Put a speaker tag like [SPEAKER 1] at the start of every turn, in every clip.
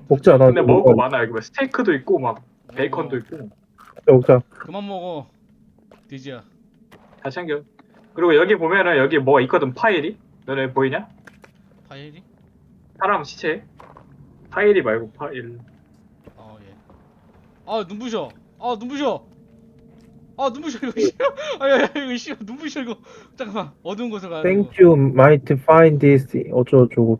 [SPEAKER 1] 먹지 않아.
[SPEAKER 2] 근데 먹을 거 많아. 여기 뭐 스테이크도 있고 막 베이컨도 있고
[SPEAKER 1] 먹자.
[SPEAKER 3] 그만 먹어. 돼지야.
[SPEAKER 2] 다 챙겨. 그리고 여기 보면은 여기 뭐가 있거든. 파일이. 너네 보이냐?
[SPEAKER 3] 파일이?
[SPEAKER 2] 사람 시체. 파일이 말고 파일.
[SPEAKER 3] 어 예. 아 눈부셔. 아 눈부셔. 아 눈부셔 이거 씨. 아야 이거 씨 눈부셔 이거. 잠깐만 어두운 곳으로 가야 돼. 이거.
[SPEAKER 1] Thank you might find this 어쩌고저쩌고.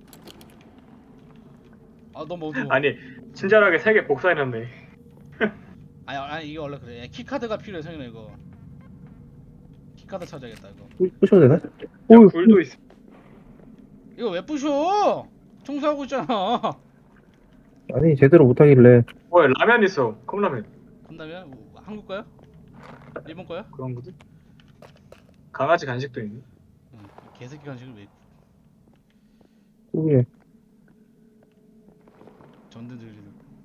[SPEAKER 3] 아 너무 어두워.
[SPEAKER 2] 아니 친절하게 3개 복사해놨네.
[SPEAKER 3] 아니 이거 원래 그래. 키카드가 필요해 성현아 이거. 키카드 찾아야겠다 이거.
[SPEAKER 1] 부셔도 되나?
[SPEAKER 2] 야,
[SPEAKER 1] 오,
[SPEAKER 2] 불도 있어.
[SPEAKER 3] 이거 왜 부셔? 청소하고 있잖아.
[SPEAKER 1] 아니 제대로 못하길래.
[SPEAKER 2] 뭐야 라면 있어. 컵라면.
[SPEAKER 3] 한다면 한국 거야? 일본 거야?
[SPEAKER 2] 그런 거지? 강아지 간식도 있네.
[SPEAKER 3] 응. 개새끼 간식을 왜
[SPEAKER 1] 그게
[SPEAKER 3] 전등 들리는.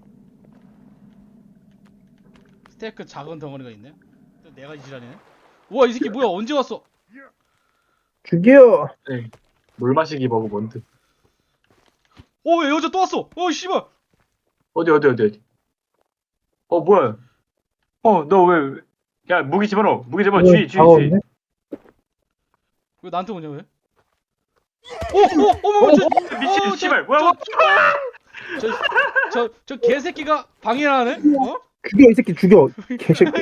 [SPEAKER 3] 스테이크 작은 덩어리가 있네. 또 내가 지랄이네. 우와 이 새끼 뭐야 언제 왔어?
[SPEAKER 1] 죽여.
[SPEAKER 2] 네. 물 마시기 버그 뭔데?
[SPEAKER 3] 오 여자 또 왔어. 어 씨발.
[SPEAKER 2] 어디? 뭐야? 너 왜? 야 무기 집어넣어. 무기 집어넣어. 주의.
[SPEAKER 1] 다가오는데?
[SPEAKER 3] 왜 나한테 오냐 왜? 어머 저
[SPEAKER 2] 미친 씨발 뭐야?
[SPEAKER 3] 저 개새끼가 방해하네? 어?
[SPEAKER 1] 죽여 이 새끼 죽여. 개새끼.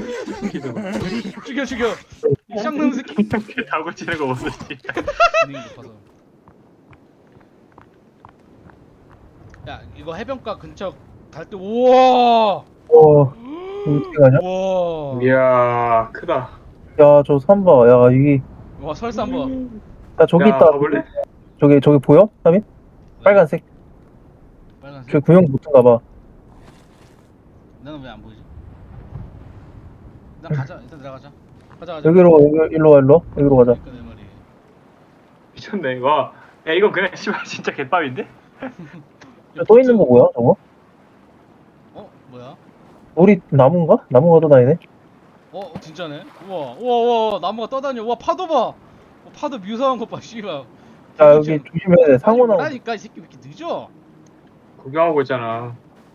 [SPEAKER 3] 죽여 이 쌍놈 새끼.
[SPEAKER 2] 이렇게 다고 치는 거 보소 씨.
[SPEAKER 3] 분위기 높아서. 야 이거 해변가 근처 갈 때 우와
[SPEAKER 1] 어떻게 가냐?
[SPEAKER 3] 우와
[SPEAKER 2] 이야 크다.
[SPEAKER 1] 야 저 삼바. 야 이게
[SPEAKER 3] 와 설사 한번
[SPEAKER 1] 야 저기
[SPEAKER 2] 야,
[SPEAKER 1] 있다.
[SPEAKER 2] 가볼래?
[SPEAKER 1] 저기 보여? 삼이? 빨간색.
[SPEAKER 3] 빨간색.
[SPEAKER 1] 저 구형 붙은가 봐.
[SPEAKER 3] 나는 왜 안 보이지? 일단 가자. 일단 들어가자. 가자.
[SPEAKER 1] 일로 와. 여기로 가자.
[SPEAKER 3] 그러니까 내 말이.
[SPEAKER 2] 미쳤네. 와. 야 이건 그냥 씨발 진짜 개밥인데?
[SPEAKER 1] 또 있는 거 뭐야 저거?
[SPEAKER 3] 어 뭐야?
[SPEAKER 1] 우리 나무인가? 나무가 또 다니네.
[SPEAKER 3] 어 진짜네. 우와 나무가 떠다녀. 우와 파도 봐. 파도 묘사한 것 봐. 씨발.
[SPEAKER 1] 야 여기 조심해야 돼. 상호 나오.
[SPEAKER 3] 라니까 이 새끼 왜 이렇게 늦어?
[SPEAKER 2] 구경하고 있잖아.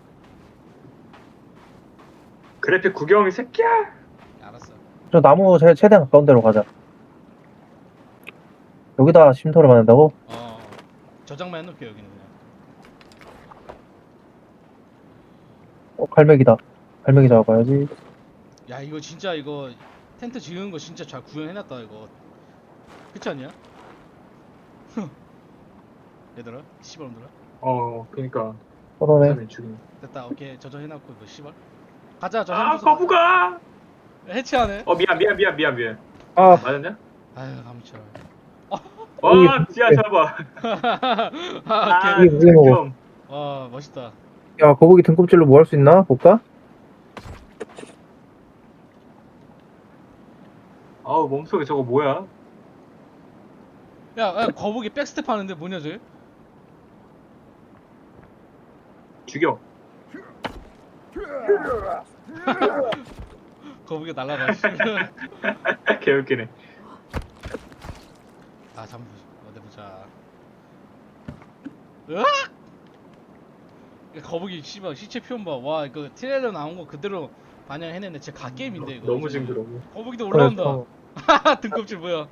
[SPEAKER 2] 그래픽 구경 이 새끼야.
[SPEAKER 3] 알았어.
[SPEAKER 1] 저 나무 최대한 가까운 데로 가자. 여기다 쉼터를 만든다고?
[SPEAKER 3] 저장만 해놓을게 여기는 그냥.
[SPEAKER 1] 갈매기다. 갈매기 잡아봐야지.
[SPEAKER 3] 야 이거 진짜 이거 텐트 지은 거 진짜 잘 구현해놨다 이거. 그렇지 않냐? 얘들아 씨발놈들아.
[SPEAKER 2] 그니까.
[SPEAKER 1] 그러네.
[SPEAKER 2] 사람이 죽이네.
[SPEAKER 3] 됐다 오케이 저장해놨고 이거 씨발. 가자 저
[SPEAKER 2] 아
[SPEAKER 3] 해보자.
[SPEAKER 2] 거부가.
[SPEAKER 3] 해체하네.
[SPEAKER 2] 미안.
[SPEAKER 1] 아,
[SPEAKER 2] 맞았냐?
[SPEAKER 3] 아유 감쳐.
[SPEAKER 2] 와 지하 잡아.
[SPEAKER 3] 아,
[SPEAKER 1] 오케이. 이게 뭐야?
[SPEAKER 2] 좀.
[SPEAKER 3] 와 멋있다.
[SPEAKER 1] 야, 거북이 등껍질로 뭐 할 수 있나? 볼까?
[SPEAKER 2] 아우 몸속에 저거 뭐야?
[SPEAKER 3] 야 거북이 백스텝 하는데 뭐냐 쟤?
[SPEAKER 2] 죽여.
[SPEAKER 3] 거북이가 날아가.
[SPEAKER 2] 개웃기네.
[SPEAKER 3] 아 잠깐 어디 보자. 으악! 야, 거북이 씨발 시체 표현 봐. 와 이거 트레일러 나온 거 그대로 반영해냈네. 진짜 갓게임인데 이거.
[SPEAKER 2] 너무 징그러워.
[SPEAKER 3] 거북이도 올라온다.
[SPEAKER 1] 그래서-
[SPEAKER 3] 하하 등껍질 뭐야?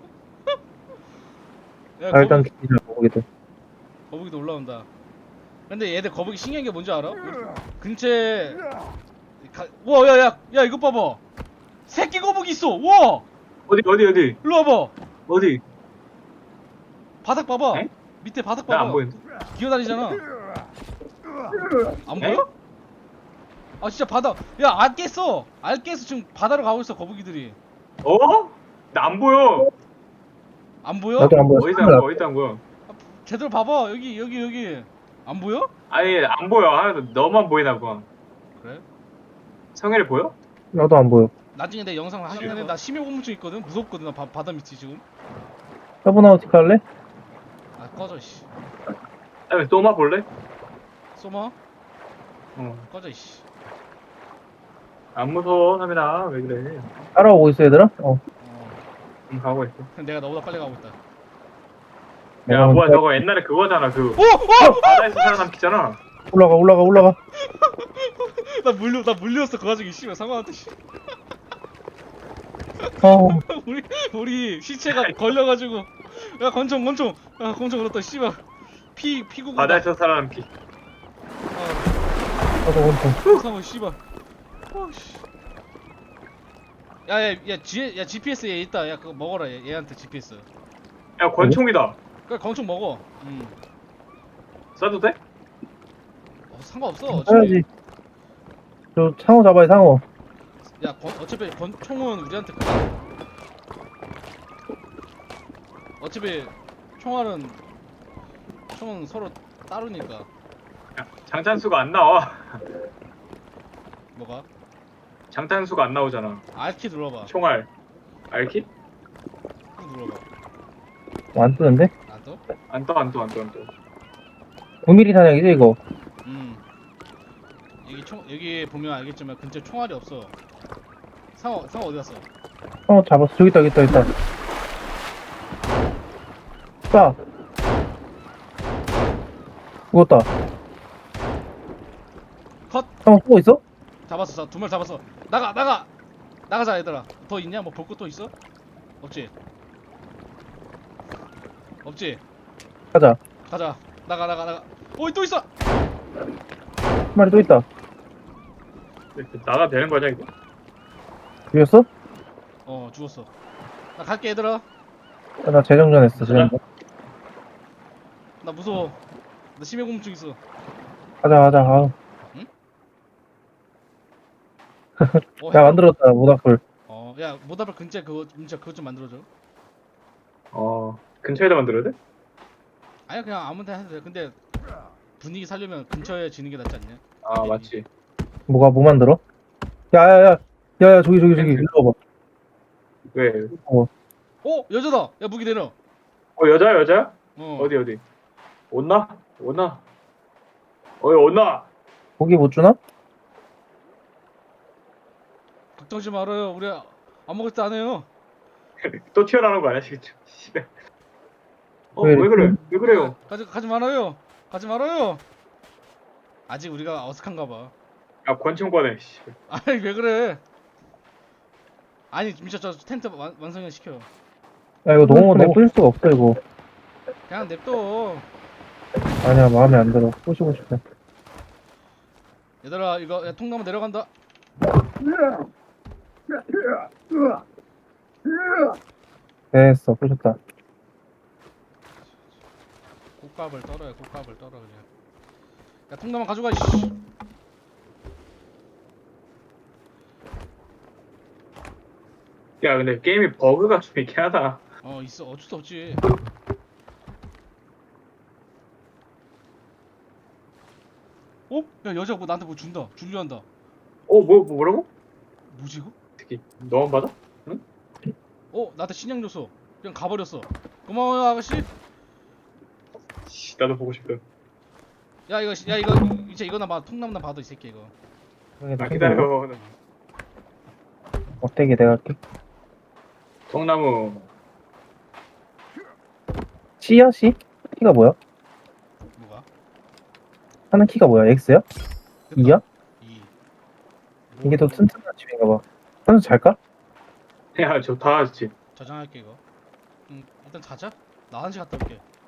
[SPEAKER 3] 야,
[SPEAKER 1] 아, 일단 기자 거북이들.
[SPEAKER 3] 거북이도 올라온다. 근데 얘들 거북이 신기한 게 뭔지 알아? 근처에 와 야야 이거 봐봐. 새끼 거북이 있어. 와
[SPEAKER 2] 어디
[SPEAKER 3] 일로 와봐.
[SPEAKER 2] 어디?
[SPEAKER 3] 바닥 봐봐.
[SPEAKER 2] 에?
[SPEAKER 3] 밑에 바닥
[SPEAKER 2] 나
[SPEAKER 3] 봐봐.
[SPEAKER 2] 안 보이는데.
[SPEAKER 3] 기어다니잖아. 안
[SPEAKER 2] 에?
[SPEAKER 3] 보여? 아 진짜 바다. 야 안 깼어. 안 깼어. 지금 바다로 가고 있어 거북이들이.
[SPEAKER 2] 나 안 보여.
[SPEAKER 3] 안 보여?
[SPEAKER 1] 나도 안 보여.
[SPEAKER 2] 어디다 안 보여?
[SPEAKER 3] 제대로 봐봐. 여기. 안 보여?
[SPEAKER 2] 아니 안 보여. 너만 보이나 봐.
[SPEAKER 3] 그래?
[SPEAKER 2] 성현이 보여?
[SPEAKER 1] 나도 안 보여.
[SPEAKER 3] 나중에 내 영상 하긴 했는데 나 심해공포증 있거든. 무섭거든. 나 바다 밑이 지금.
[SPEAKER 1] 서브나우티카 할래?
[SPEAKER 3] 아 꺼져 씨.
[SPEAKER 2] 아니 또마 볼래?
[SPEAKER 3] 쏘마?
[SPEAKER 2] 어.
[SPEAKER 3] 꺼져 씨.
[SPEAKER 2] 안 무서워 삼이나 왜 그래?
[SPEAKER 1] 따라오고 있어 얘들아?
[SPEAKER 2] 가고 있어.
[SPEAKER 3] 내가 너보다 빨리 가고 있다.
[SPEAKER 2] 야 뭐야 저거 옛날에 그거잖아 그
[SPEAKER 3] 오!
[SPEAKER 2] 바다에서 살아남기잖아.
[SPEAKER 1] 올라가.
[SPEAKER 3] 나 물렸어 그 와중에 씨발 상관한테 씨.
[SPEAKER 1] 어,
[SPEAKER 3] 우리 시체가 걸려가지고 야 권총 야 권총 그렇다 씨발 피구가
[SPEAKER 2] 바다에서 살아남은 피.
[SPEAKER 1] 나도 원통.
[SPEAKER 3] 상어 씨발 어씨 야 GPS 얘 있다 야 그거 먹어라 얘한테 GPS
[SPEAKER 2] 야, 권총이다.
[SPEAKER 3] 그래 권총 먹어
[SPEAKER 2] 쏴도 돼?
[SPEAKER 3] 상관없어 어차피
[SPEAKER 1] 해야지. 저 상어 잡아야 상어.
[SPEAKER 3] 어차피 권총은 우리한테 그래 어차피 총은 서로 따르니까
[SPEAKER 2] 야, 장탄수가 안 나와.
[SPEAKER 3] 뭐가?
[SPEAKER 2] 장탄수가 안 나오잖아.
[SPEAKER 3] R키 눌러봐
[SPEAKER 2] 총알. 알키?
[SPEAKER 3] 꾹 눌러봐
[SPEAKER 1] 안 뜨는데?
[SPEAKER 3] 안 떠?
[SPEAKER 2] 안 떠.
[SPEAKER 1] 9mm 사냥이지 이거.
[SPEAKER 3] 여기 보면 알겠지만 근처에 총알이 없어 상어 어디 갔어?
[SPEAKER 1] 상어 잡았어. 저기 있다. 쏴. 죽었다.
[SPEAKER 3] 컷!
[SPEAKER 1] 상어 쏘고 있어?
[SPEAKER 3] 잡았어 2명 잡았어 나가자 얘들아 더 있냐? 뭐 볼 거 또 있어? 없지?
[SPEAKER 1] 가자.
[SPEAKER 3] 가자 나가 어이 또 있어!
[SPEAKER 1] 한 마리 또 있다.
[SPEAKER 2] 나가 되는 거냐, 이거?
[SPEAKER 1] 죽였어?
[SPEAKER 3] 죽었어 나 갈게 얘들아
[SPEAKER 1] 나 재정전했어. 재정전.
[SPEAKER 3] 나 무서워 나 심해공증 있어
[SPEAKER 1] 가자. 아우. 야 만들었다 모닥불.
[SPEAKER 3] 야 모다불 근처에 그거 좀 만들어줘
[SPEAKER 2] 근처에다 만들어야 돼?
[SPEAKER 3] 아니야 그냥 아무 데나 해도 돼 근데 분위기 살려면 근처에 지는 게 낫지 않냐?
[SPEAKER 2] 아, 맞지.
[SPEAKER 1] 뭐 만들어? 야야야 저기 일로 와봐.
[SPEAKER 2] 왜?
[SPEAKER 3] 여자다! 야 무기 내려
[SPEAKER 2] 여자야? 어디? 온나? 온나?
[SPEAKER 1] 고기 못 주나?
[SPEAKER 3] 걱정하지 말아요 우리 아무것도 안 해요
[SPEAKER 2] 또 튀어나오는 거 아니야, 지금? 씨발.
[SPEAKER 1] 왜
[SPEAKER 2] 왜 그래? 왜 그래요?
[SPEAKER 3] 가지 말아요 아직 우리가 어색한가 봐
[SPEAKER 2] 야, 권총 꺼내, 씨.
[SPEAKER 3] 아니 왜 그래 아니 진짜 저 텐트 완성을 시켜
[SPEAKER 1] 야 이거 너무 내뿌릴 수가 없어 이거.
[SPEAKER 3] 그냥 냅둬
[SPEAKER 1] 아니야 마음에 안 들어. 부시고 싶어.
[SPEAKER 3] 얘들아 이거 야, 통나무 내려간다
[SPEAKER 1] 됐어 부셨다.
[SPEAKER 3] 꽃값을 떨어 그냥 야 통나무 가져가 씨
[SPEAKER 2] 야, 근데 게임이 버그가 좀 있긴 하다.
[SPEAKER 3] 있어 어쩔 수 없지 야 여자가 뭐 나한테 뭐 주려 한다
[SPEAKER 2] 뭐라고?
[SPEAKER 3] 뭐지 이거?
[SPEAKER 2] 특히, 너만 받아?
[SPEAKER 3] 나한테 신양 줬어 그냥 가버렸어 고마워요 아가씨
[SPEAKER 2] 씨, 나도 보고 싶다.
[SPEAKER 3] 야 이거 이제 이거나 봐 통나무나 봐도 이 새끼 이거
[SPEAKER 2] 기다려.
[SPEAKER 1] 어때게 내가 할게.
[SPEAKER 2] 통나무.
[SPEAKER 1] C야 C? 키가 뭐야?
[SPEAKER 3] 뭐가?
[SPEAKER 1] 하는 키가 뭐야? X야? 2야?
[SPEAKER 3] 2
[SPEAKER 1] 이게 더 튼튼한 집인가 봐. 선수 잘까?
[SPEAKER 2] 야, 저 다 하지.
[SPEAKER 3] 저장할게 이거 일단 자자 나 화장실 갔다 올게